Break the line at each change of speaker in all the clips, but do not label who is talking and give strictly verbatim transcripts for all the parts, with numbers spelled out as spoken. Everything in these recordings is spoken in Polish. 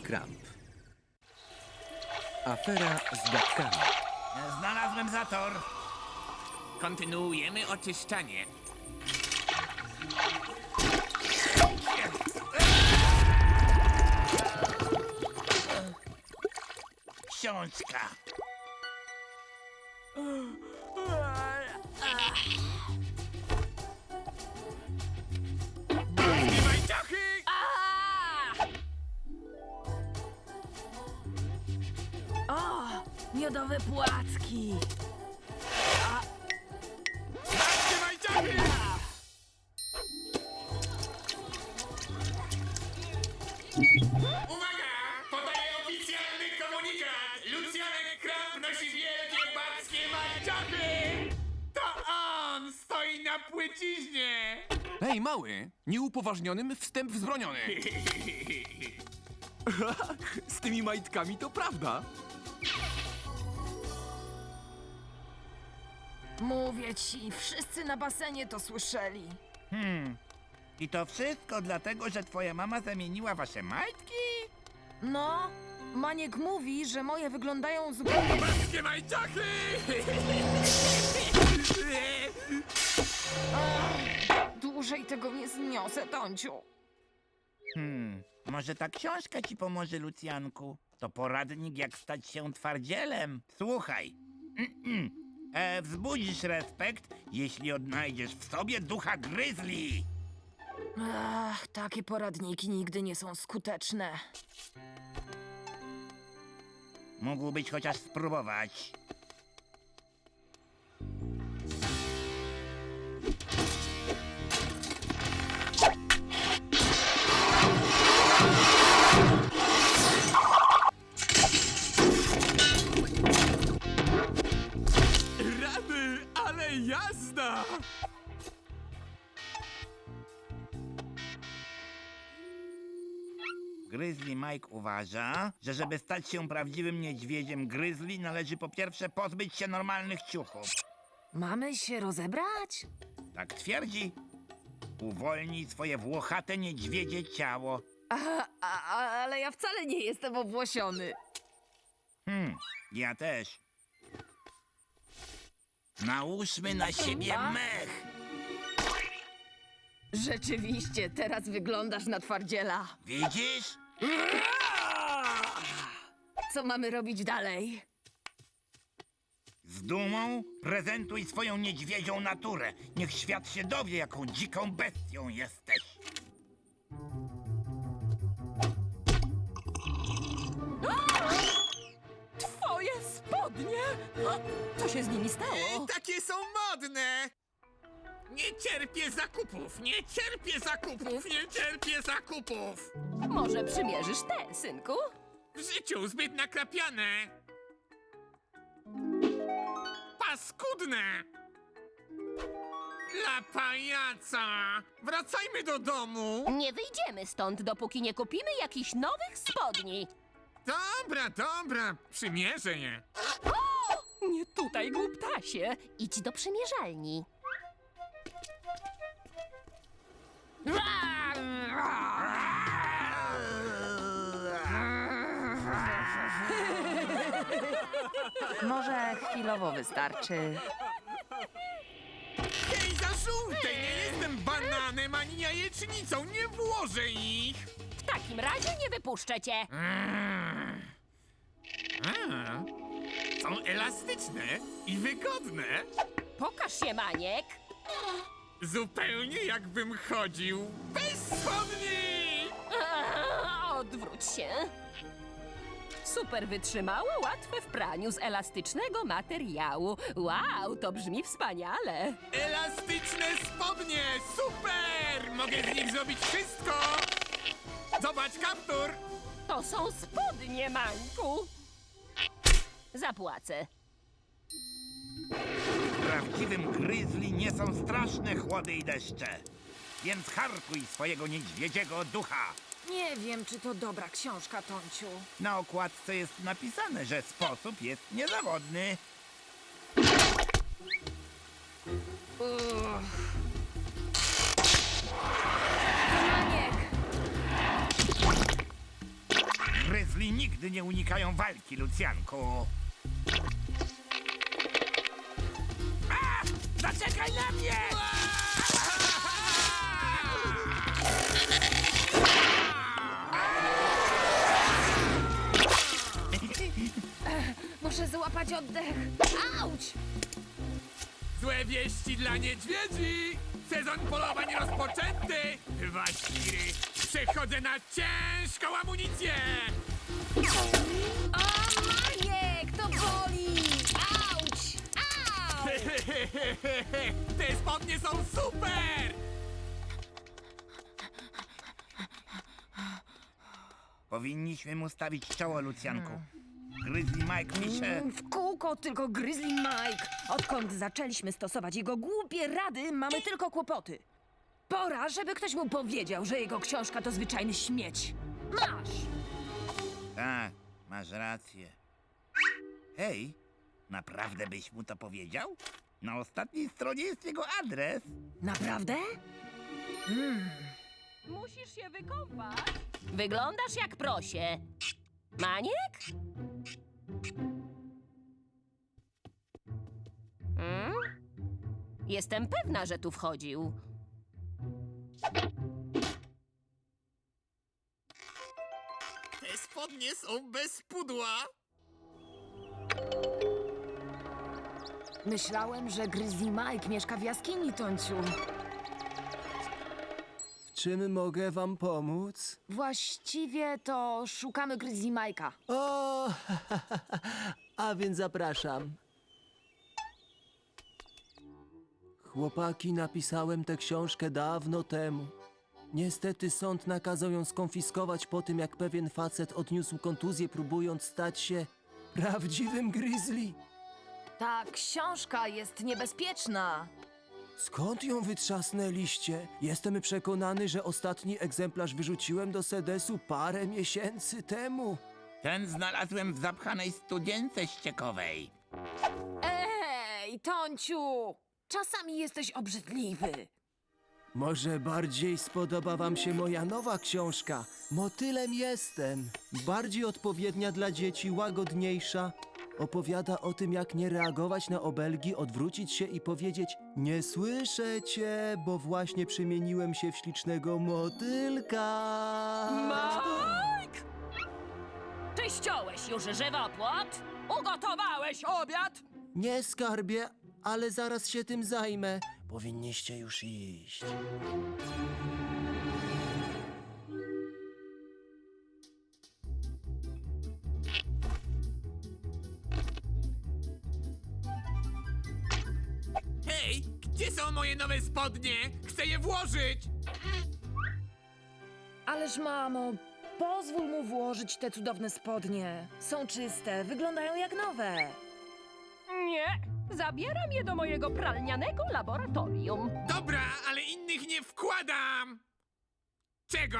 Kramp. Afera z gadkami.
Znalazłem zator.
Kontynuujemy oczyszczanie.
Książka.
O, miodowe płatki.
Uwaga! Podaję oficjalny komunikat! Lucjanek Kramp nosi wielkie babskie majciochy! To on stoi na płyciźnie!
Hej, mały! Nieupoważnionym wstęp wzbroniony! Z tymi majtkami to prawda!
Mówię ci, wszyscy na basenie to słyszeli.
Hmm. I to wszystko dlatego, że twoja mama zamieniła wasze majtki?
No, Maniek mówi, że moje wyglądają zupełnie...
Babskie majciochy!
Dłużej tego nie zniosę, Tonciu.
Hmm. Może ta książka ci pomoże, Lucjanku? To poradnik, jak stać się twardzielem. Słuchaj. Mm-mm. E, wzbudzisz respekt, jeśli odnajdziesz w sobie ducha gryzli.
Ach, takie poradniki nigdy nie są skuteczne.
Mógłbyś chociaż spróbować.
Rany, ale jazda!
Gryzli Mike uważa, że żeby stać się prawdziwym niedźwiedziem gryzli, należy po pierwsze pozbyć się normalnych ciuchów.
Mamy się rozebrać?
Tak twierdzi. Uwolnij swoje włochate niedźwiedzie ciało.
A, a, ale ja wcale nie jestem obłosiony.
Hmm, ja też. Nałóżmy na siebie mech.
Rzeczywiście, teraz wyglądasz na twardziela.
Widzisz?
Co mamy robić dalej?
Z dumą prezentuj swoją niedźwiedzią naturę. Niech świat się dowie, jaką dziką bestią jesteś.
Twoje spodnie! Co się z nimi stało?
Takie są modne! Nie cierpię zakupów, nie cierpię zakupów, nie cierpię zakupów!
Może przymierzysz te, synku?
W życiu zbyt nakrapiane! Paskudne! Dla pajaca! Wracajmy do domu!
Nie wyjdziemy stąd, dopóki nie kupimy jakichś nowych spodni.
Dobra, dobra, przymierzę je.
Nie tutaj, głuptasie. Idź do przymierzalni.
Może chwilowo wystarczy.
Hej, za żółtej! Nie jestem bananem ani jajecznicą, nie włożę ich!
W takim razie nie wypuszczę cię.
A, są elastyczne i wygodne.
Pokaż się, Maniek.
Zupełnie jakbym chodził bez spodni!
Eee, Odwróć się. Super wytrzymałe, łatwe w praniu z elastycznego materiału. Wow, to brzmi wspaniale.
Elastyczne spodnie! Super! Mogę z nich zrobić wszystko! Zobacz, kaptur!
To są spodnie, Mańku. Zapłacę.
Prawdziwym gryzli nie są straszne chłody i deszcze. Więc harkuj swojego niedźwiedziego ducha.
Nie wiem, czy to dobra książka, Tonciu.
Na okładce jest napisane, że sposób jest niezawodny.
Maniek!
Gryzli Grizzly nigdy nie unikają walki, Lucjanku. A! Zaczekaj na mnie!
Muszę złapać oddech. Auć!
Złe wieści dla niedźwiedzi! Sezon polowań rozpoczęty! Waśpiry, przechodzę na ciężką amunicję!
O, Maniek, to boli! Auć! Au!
Te spodnie są super!
Powinniśmy mu stawić czoło, Lucjanku. Grizzly Mike pisze...
W kółko tylko Grizzly Mike. Odkąd zaczęliśmy stosować jego głupie rady, mamy tylko kłopoty. Pora, żeby ktoś mu powiedział, że jego książka to zwyczajny śmieć. Masz!
Tak, masz rację. Hej, naprawdę byś mu to powiedział? Na ostatniej stronie jest jego adres.
Naprawdę?
Musisz się wykąpać. Wyglądasz jak prosie. Maniek? Hmm? Jestem pewna, że tu wchodził.
Te spodnie są bez pudła!
Myślałem, że Grizzly Mike mieszka w jaskini, Tonciu.
Czym mogę wam pomóc?
Właściwie to szukamy Grizzly Mike'a.
O, a więc zapraszam. Chłopaki, napisałem tę książkę dawno temu. Niestety sąd nakazał ją skonfiskować po tym, jak pewien facet odniósł kontuzję, próbując stać się prawdziwym grizzly.
Ta książka jest niebezpieczna.
Skąd ją wytrzasnęliście? Jestem przekonany, że ostatni egzemplarz wyrzuciłem do sedesu parę miesięcy temu.
Ten znalazłem w zapchanej studience ściekowej.
Ej, Tonciu! Czasami jesteś obrzydliwy.
Może bardziej spodoba wam się moja nowa książka. Motylem jestem. Bardziej odpowiednia dla dzieci, łagodniejsza. Opowiada o tym, jak nie reagować na obelgi, odwrócić się i powiedzieć: nie słyszę cię, bo właśnie przemieniłem się w ślicznego motylka.
Mike! Czy ściąłeś już żywopłot? Ugotowałeś obiad?
Nie, skarbie, ale zaraz się tym zajmę. Powinniście już iść.
Hej, gdzie są moje nowe spodnie? Chcę je włożyć!
Ależ mamo, pozwól mu włożyć te cudowne spodnie. Są czyste, wyglądają jak nowe.
Nie. Zabieram je do mojego pralnianego laboratorium.
Dobra, ale innych nie wkładam! Czego?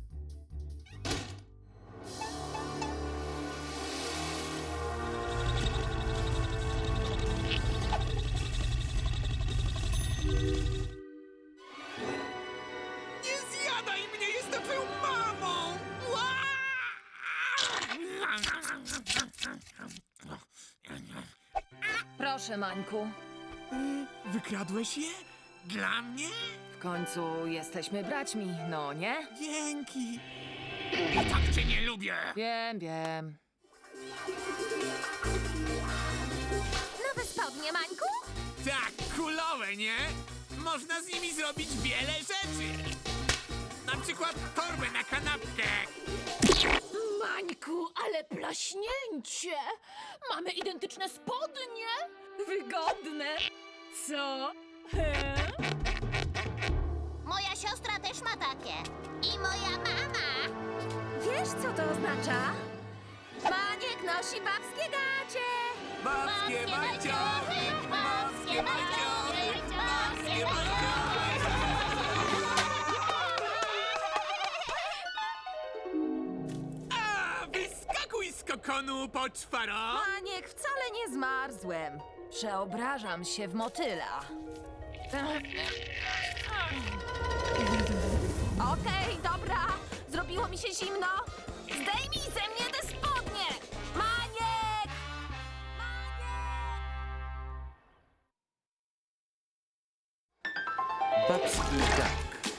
Nie zjadaj mnie, jestem twoją mamą! Ła!
Proszę, Mańku.
Wykradłeś je? Dla mnie?
W końcu jesteśmy braćmi, no nie?
Dzięki. I tak cię nie lubię.
Wiem, wiem.
Nowe spodnie, Mańku?
Tak, kulowe, nie? Można z nimi zrobić wiele rzeczy. Na przykład torbę na kanapkę.
Mańku, ale plaśnięcie! Mamy identyczne spodnie!
Wygodne. Co?
Moja siostra też ma takie. I moja mama!
Wiesz, co to oznacza? Maniek nosi babskie gacie!
Babskie
bajciochy! Babskie bajciochy! Babskie
A, wyskakuj z kokonu, poczwaro!
Maniek, wcale nie zmarzłem. Przeobrażam się w motyla. Okej, dobra. Zrobiło mi się zimno. Zdejmij ze mnie te spodnie!
i tak.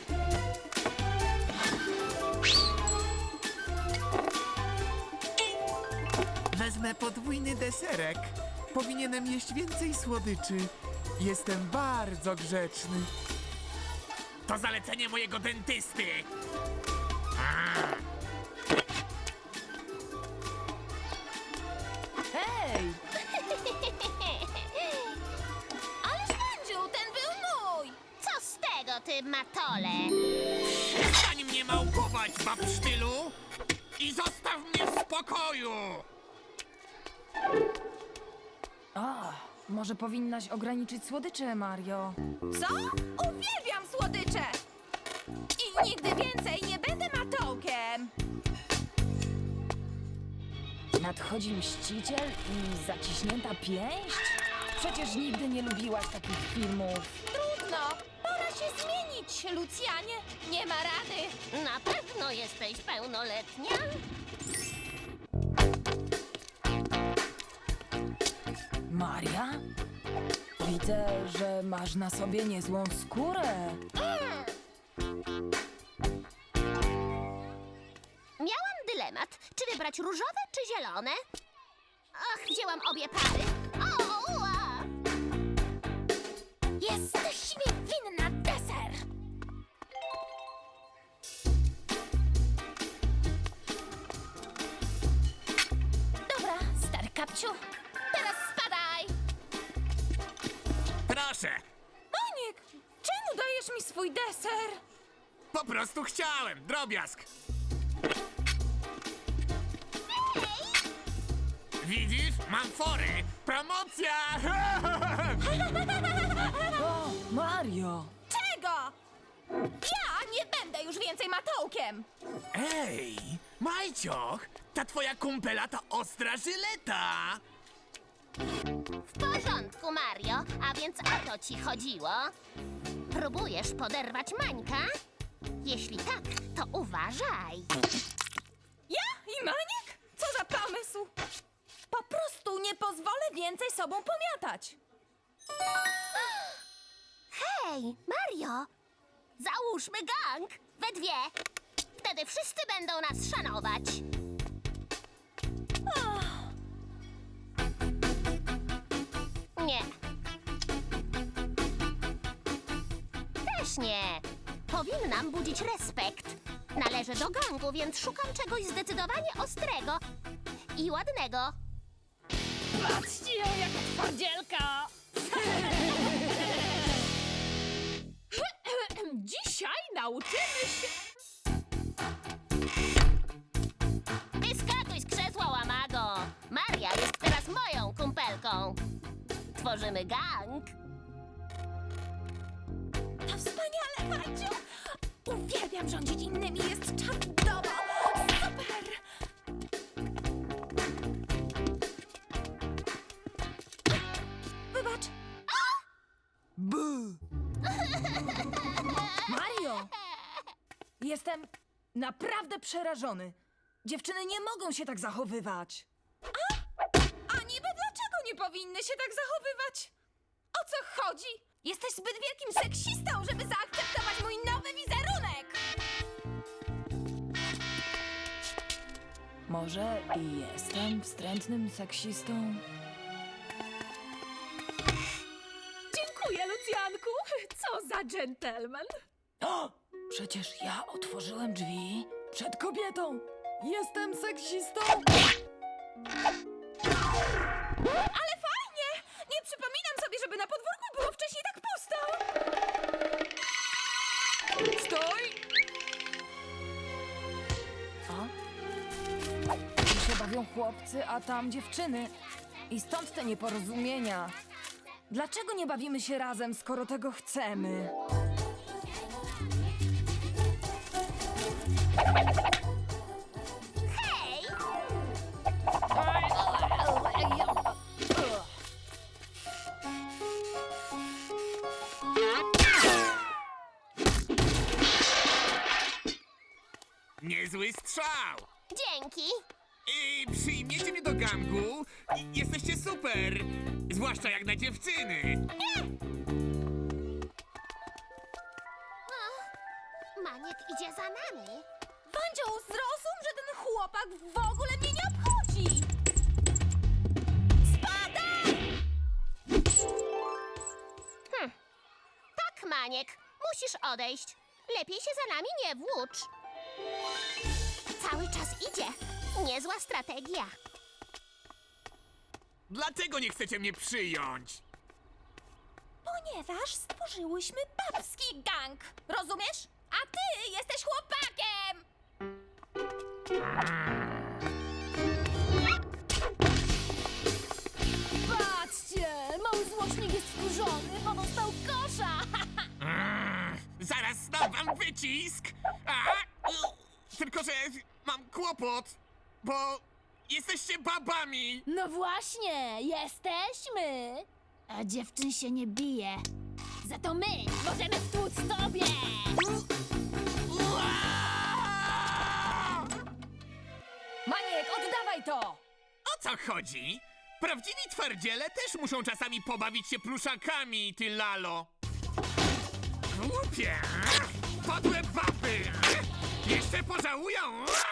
Wezmę podwójny deserek. Powinienem jeść więcej słodyczy. Jestem bardzo grzeczny. To zalecenie mojego dentysty.
Hej!
Ależ Mandziu, ten był mój! Co z tego, ty matole?
Przestań mnie małpować, babsztylu! I zostaw mnie w spokoju!
A, może powinnaś ograniczyć słodycze, Mario.
Co? Uwielbiam słodycze! I nigdy więcej nie będę matołkiem!
Nadchodzi mściciel i zaciśnięta pięść? Przecież nigdy nie lubiłaś takich filmów.
Trudno! Pora się zmienić, Lucjanie! Nie ma rady!
Na pewno jesteś pełnoletnia?
Maria? Widzę, że masz na sobie niezłą skórę.
Miałam dylemat, czy wybrać różowe czy zielone? Ach, wzięłam obie pary. O, ua.
Jesteś mi winna deser! Dobra, stary kapciu, teraz spadaj!
Proszę,
Maniek, czemu dajesz mi swój deser?
po prostu chciałem, drobiazg. Widzisz? Mam fory! Promocja!
O, Mario!
Czego? Ja nie będę już więcej matołkiem!
Ej, Majcioch, ta twoja kumpela to ostra żyleta!
W porządku, Mario. A więc o to ci chodziło? Próbujesz poderwać Mańka? Jeśli tak, to uważaj.
Ja i Maniek? Co za pomysł? Po prostu nie pozwolę więcej sobą pomiatać.
Hej, Mario! Załóżmy gang! We dwie! Wtedy wszyscy będą nas szanować. Nie. Też nie. Powinnam budzić respekt. Należę do gangu, więc szukam czegoś zdecydowanie ostrego i ładnego.
Patrzcie ją, jaka twardzielka! Dzisiaj nauczymy się...
Wyskakuj z krzesła, łamago! Maria jest teraz moją kumpelką. Tworzymy gang.
To wspaniale, Maciu! Uwielbiam rządzić innymi, jest czadowo! Super! Wybacz,
B.
Mario! Jestem naprawdę przerażony. Dziewczyny nie mogą się tak zachowywać.
a niby dlaczego nie powinny się tak zachowywać? O co chodzi? Jesteś zbyt wielkim seksistą, żeby zaakceptować mój nowy wizerunek!
Może i jestem wstrętnym seksistą?
Dziękuję, Lucjanku! Co za dżentelmen!
O! Przecież ja otworzyłem drzwi przed kobietą. Jestem seksistą.
Ale fajnie! Nie przypominam sobie, żeby na podwórku było wcześniej tak pusto!
Stój! A? Tu się bawią chłopcy, a tam dziewczyny. I stąd te nieporozumienia. Dlaczego nie bawimy się razem, skoro tego chcemy?
Hej!
Niezły strzał!
Dzięki!
I przyjmiecie mnie do gangu? I- Jesteście super! Zwłaszcza jak na dziewczyny!
Maniek idzie za nami.
Wandzio, zrozum, że ten chłopak w ogóle mnie nie obchodzi! Spadaj!
Hm. Tak, Maniek, musisz odejść. Lepiej się za nami nie włócz. Cały czas idzie. Niezła strategia.
Dlatego nie chcecie mnie przyjąć.
Ponieważ stworzyłyśmy babski gang, rozumiesz? A ty jesteś chłopakiem! Patrzcie, mały złośnik jest wkurzony, bo dostał kosza!
Zaraz dam wam wycisk. A? Tylko, że mam kłopot, bo jesteście babami.
No właśnie, jesteśmy! A dziewczyn się nie bije. Za to my możemy wtłuc tobie!
Ua!
Maniek, oddawaj to!
O co chodzi? Prawdziwi twardziele też muszą czasami pobawić się pluszakami, ty lalo. Głupie! Podłe baby! Jeszcze pożałują!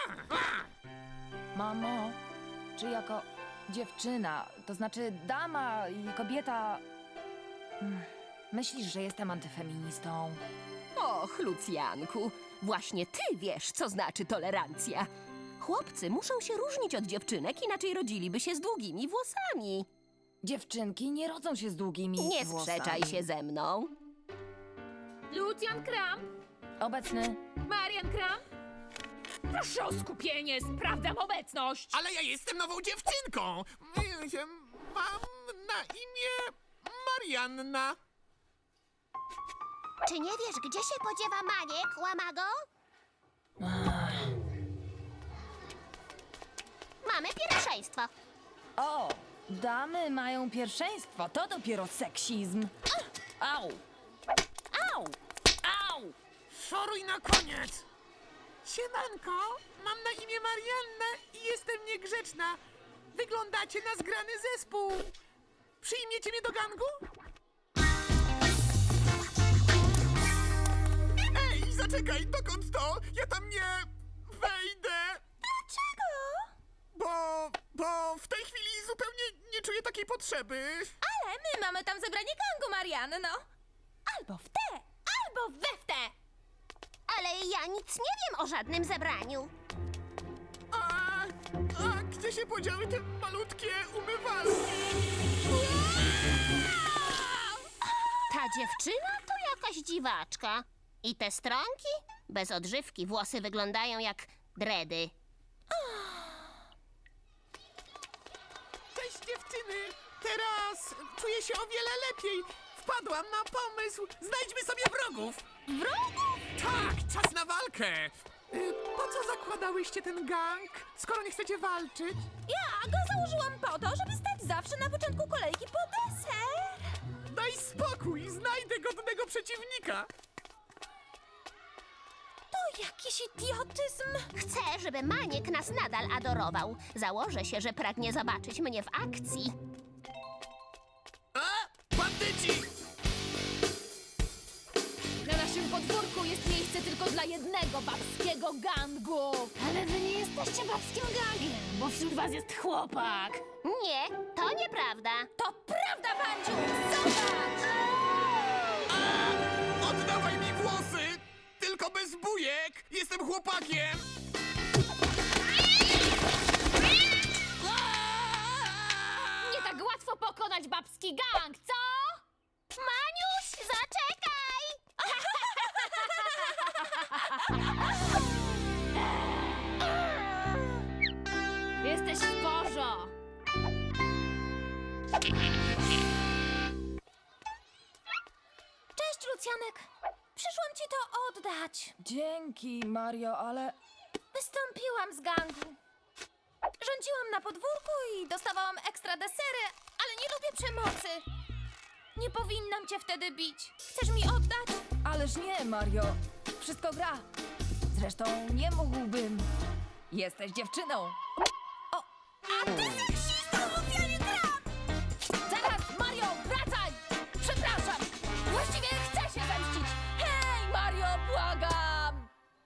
Mamo, czy jako dziewczyna, to znaczy dama i kobieta... Hmm, myślisz, że jestem antyfeministą?
Och, Lucjanku, właśnie ty wiesz, co znaczy tolerancja. Chłopcy muszą się różnić od dziewczynek, inaczej rodziliby się z długimi włosami.
Dziewczynki nie rodzą się z długimi
Nie
włosami.
sprzeczaj się ze mną.
Lucjan Kramp,
Obecny.
Marian Kramp. Proszę o skupienie, sprawdzam obecność.
Ale ja jestem nową dziewczynką! Ja mam na imię Marianna.
Czy nie wiesz, gdzie się podziewa Maniek, łamago? Mamy pierwszeństwo.
O, damy mają pierwszeństwo. To dopiero seksizm. Au! Au! Au!
Szoruj na koniec! Siemanko, mam na imię Marianna i jestem niegrzeczna. Wyglądacie na zgrany zespół. Przyjmiecie mnie do gangu? Ej, zaczekaj, dokąd to? Ja tam nie wejdę.
Dlaczego?
Bo, bo w tej chwili zupełnie nie czuję takiej potrzeby.
Ale my mamy tam zebranie gangu, Marianno. Albo w te, albo we w te.
Ale ja nic nie wiem o żadnym zebraniu.
A, a gdzie się podziały te malutkie umywalki?
Ta dziewczyna to jakaś dziwaczka. I te stronki? Bez odżywki włosy wyglądają jak dredy.
Cześć dziewczyny! Teraz czuję się o wiele lepiej. Wpadłam na pomysł. Znajdźmy sobie wrogów. Wrogów? Tak, czas na walkę. Y, Po co zakładałyście ten gang, skoro nie chcecie walczyć?
Ja go założyłam po to, żeby stać zawsze na początku kolejki po deser.
Daj spokój, znajdę godnego przeciwnika.
To jakiś idiotyzm.
Chcę, żeby Maniek nas nadal adorował. Założę się, że pragnie zobaczyć mnie w akcji.
A, bandyci!
Na naszym podwórku jest miejsce tylko dla jednego babskiego gangu. Ale wy nie jesteście babskim gangiem, bo wśród was jest chłopak.
Nie, to nieprawda.
To prawda, Wandziu! Zobacz!
Oddawaj mi włosy! Tylko bez bujek! Jestem chłopakiem!
Nie tak łatwo pokonać babski gang, co?
Maniuś, zaczekaj!
Jesteś w porzo. Cześć, Lucjanek. Przyszłam ci to oddać.
Dzięki, Mario, ale...
Wystąpiłam z gangu. Rządziłam na podwórku i dostawałam ekstra desery, ale nie lubię przemocy. Nie powinnam cię wtedy bić. Chcesz mi oddać?
Ależ nie, Mario. Wszystko gra. Zresztą nie mógłbym. Jesteś dziewczyną.
A ty seksista, Lucjanie Kramp!
Zaraz, Mario, wracaj! Przepraszam. Właściwie chcę się zemścić. Hej, Mario, błagam!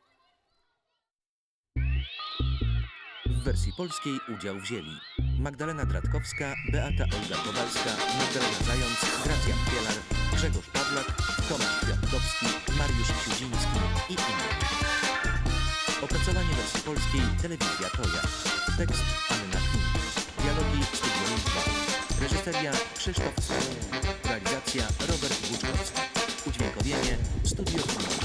wersji polskiej udział wzięli Magdalena Dratkowska, Beata Olga Kowalska, Magdalena Zając, Gracja Pielar, Grzegorz Pawlak, Tomasz Kwiatkowski, Mariusz Siudziński i inni. Opracowanie wersji polskiej Telewizja Toja. Tekst Anna Knin. Dialogi Studio Liczba. Reżyseria Krzysztof Stach. Realizacja Robert Buczkowski. Udźwiękowienie Studio Knin.